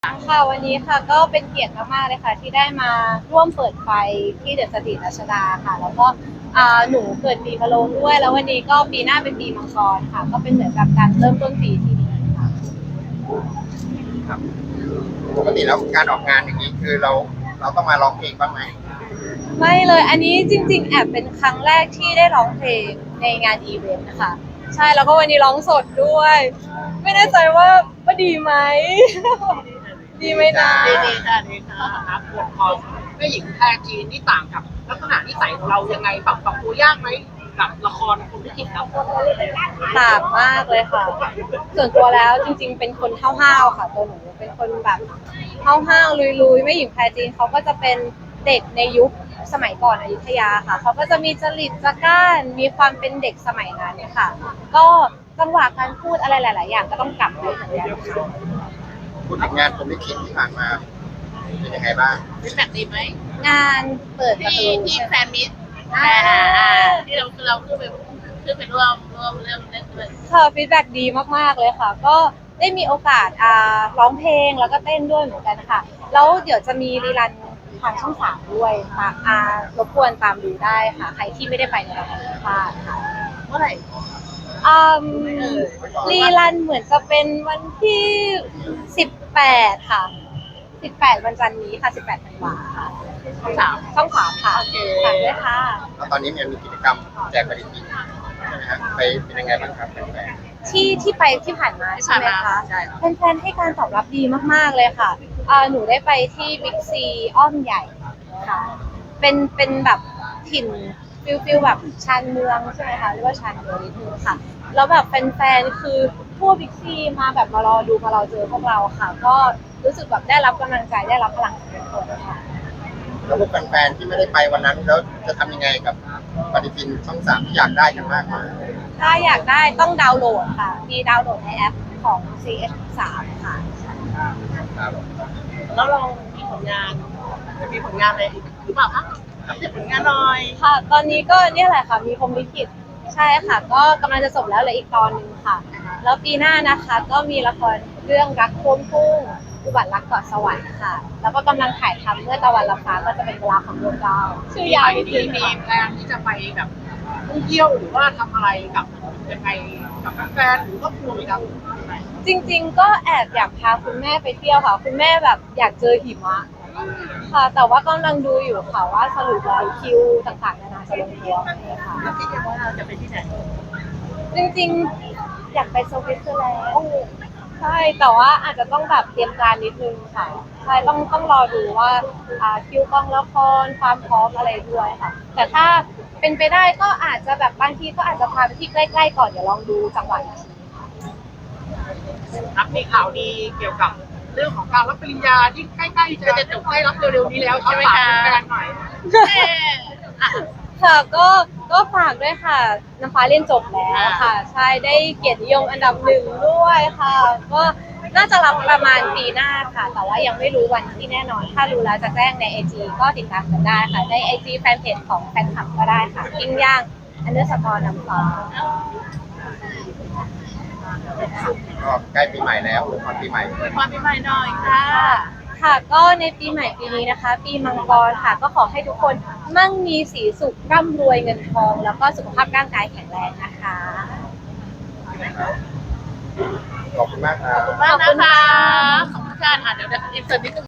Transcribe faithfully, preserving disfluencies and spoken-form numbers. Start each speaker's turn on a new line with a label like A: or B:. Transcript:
A: ค่ะวันนี้ค่ะก็เป็นเกียรติมากๆเลยค่ะที่ได้มาร่วมเปิดไฟที่เดอะสตรีทรัชดาค่ะแล้วก็อ่าหนูเกิดปีมะโรงด้วยแล้ววันนี้ก็ปีหน้าเป็นปีมังกรค่ะก็เป็นเหมือนกับการเริ่มต้นปีที่ดีค่ะ
B: ครับปกติแล้วการออกงานอย่างนี้คือเราเราต้องมาร้องเพลงบ้างไหม
A: ไม่เลยอันนี้จริงๆแอบเป็นครั้งแรกที่ได้ร้องเพลงในงานอีเวนต์นะคะใช่แล้วก็วันนี้ร้องสดด้วยไม่แน่ใจว่าว่าดีไหม ดีไหมนะ
C: ดีดีค่ะดีค่ะครับบทของแม่หญิงแพรจีนนี่ต่างกับลักษณะนิสัยของเรายังไงปรับปรับตัวยากไหมกับละครคุณลิขิตครับ
A: ต่างมากเลยค่ะ ส่วนตัวแล้วจริงๆ เป็นคนห้าวๆค่ะตัวหนูเป็นคนแบบห้าวๆลุยๆไม่หญิงแพรจีนเขาก็จะเป็นเด็กในยุคสมัยก่อนอยุธยาค่ะเขาก็จะมีจริตจักร้านมีความเป็นเด็กสมัยนั้นค่ะก็จังหวะการพูดอะไรหลายๆอย่างก็ต้องกลับไปเหมือนกันค่ะ
B: พูดถึงงานผมลิขิตที่ผ่านมาเป็นยังไงบ้าง
C: เป็นแบบดีไหม
A: งานเปิดประ
C: ที่
A: ตู
C: ที่
A: ใช่ไห
C: แฟ
A: ม
C: นมิตร
A: อ่า
C: อ่าที่เราคือเราขึ้นไปขึ้นไปร่วมร่วมเรื่องเล่นด้วย
A: ค่ะฟีดแบ็กดีมากๆเลยค่ะ ก็ได้มีโอกาสอ่าร้องเพลงแล้วก็เต้นด้วยเหมือนกันค่ะแล้วเดี๋ยวจะมีรีรันทางช่องสามด้วยตามอ่ารบกวนตามดูได้ค่ะ ใครที่ไม่ได้ไปในละครพลาดค่ะ
C: เมื่อไหร่
A: อืมรีรันเหมือนจะเป็นวันที่สิบแปดค่ะสิบแปดวันจันทร์นี้ค่ะสิบแปดธันวาค่ะ
C: ช่องสาม
A: ช่องสามค่ะฝากด้วยค่ะ
B: แล้วตอนนี้มันมีกิจกรรมแจกปฏิทินใช่ไหมฮะไปเป็นยังไงบ้างครับแฟน
A: ที่ที่ไปที่ผ่านมาใช่ไหมคะ
C: ใช่ครับ
A: แฟนๆให้การตอบรับดีมากๆเลยค่ะอ่าหนูได้ไปที่บิ๊กซีอ้อมใหญ่ค่ะ เป็นเป็นแบบถิ่นฟิลฟิลแบบชานเมืองใช่ไหมคะเรียกว่าชานเมืองนิดนึงค่ะ แล้วแบบแฟนๆคือทั่วบิ๊กซีมาแบบมารอดูมารอเจอพวกเราค่ะ ก็รู้สึกแบบได้รับกำลังใจได้รับพลังจากทุกคนค่ะ
B: ๆแล้วพวกแฟนๆที่ไม่ได้ไปวันนั้นแล้วจะทำยังไงกับปฏิทินช่องสามที่อยากได้กันมากมาย
A: ถ้าอยากได้ต้องดาวน์โหลดค่ะมีดาวน์โหลดในแอปของ ซี เอช สาม ค่ะ
B: ครับ
C: แล้วเรามีผลงานจะมีผลงานอะไรอีกหรือเปล่าคะอัปเดตผลงานหน่อย
A: ค่ะ ตอนนี้ก็เนี่ยแหละค่ะ มีพรหมลิขิตใช่ค่ะ ก็กำลังจะจบแล้วเหลืออีกตอนหนึ่งค่ะ แล้วปีหน้านะคะ ก็มีละครเรื่องรักท่วมทุ่งอุบัติรักเกาะสวรรค์ค่ะ แล้วก็กำลังถ่ายทำเมื่อตะวันลับฟ้าก็จะเป็นเวลาของดวงดาวชื่อยาวนิด
C: มี
A: นึง
C: มี
A: ค่ะ
C: แพลนที่จะไปแบบท่องเที่ยวหรือว่าทำอะไรกับยังไงกับแฟนหรือครอบครัวไหมครับ
A: จริงๆ ก็แอบอยากพาคุณแม่ไปเที่ยวค่ะ คุณแม่แบบอยากเจอหิมะค่ะ แต่ว่ากำลังดูอยู่ค่ะว่าสรุปแล้วคิวต่างๆนานาจะลงตัวไหมค่ะ
C: แล้วคิดว่าเราจะไปที่ไหน
A: จริงๆ อยากไปสวิตเซอร์แลนด์ใช่แต่ว่าอาจจะต้องแบบเตรียมการนิดนึงค่ะใช่ต้องต้องรอดูว่าอ่าคิวกองละครความพร้อมอะไรด้วยค่ะ แต่ถ้าเป็นไปได้ก็อาจจะแบบบางทีก็อาจจะพาไปที่ใกล้ๆก่อนเดี๋ยวลองดูจังหวะอีกที
C: ครับมีข่าวดีเกี่ยวกับเรื่องของการรับปริญญาที่ใกล้ๆจะจะจบได้รับเร็วๆนี้แล้วใช่ไหมคะแฟนหน่อย
A: ค่ะก็ก็ฝากด้วยค่ะน้ำฟ้าเรียนจบแล้วค่ะใช่ได้เกียรตินิยมอันดับหนึ่งด้วยค่ะก็น่าจะรับประมาณปีหน้าค่ะ แต่ว่ายังไม่รู้วันที่แน่นอน ถ้ารู้แล้วจะแจ้งในไอจีก็ติดตามกันได้ค่ะในไอจีแฟนเพจของแฟนคลับก็ได้ค่ะกิ้งย่างอันเดอร์สกอร์น้ำฟ้า
B: ก็ใกล้ปีใหม่แล้วอวยพรปีใหม่
C: อวยพรปีใหม่หน่อยค่ะ
A: ค่ะค่ะก็ในปีใหม่ปีนี้นะคะ ปีมังกรค่ะก็ขอให้ทุกคนมั่งมีสีสุขร่ำรวยเงินทอง แล้วก็สุขภาพร่างกายแข็งแรงนะคะ
B: ขอบคุณมากครับ
C: ขอบคุณมากนะคะ ขอบคุณค่ะอ่ะเดี๋ยวเดี๋ยวอินเสิร์ตนิดนึง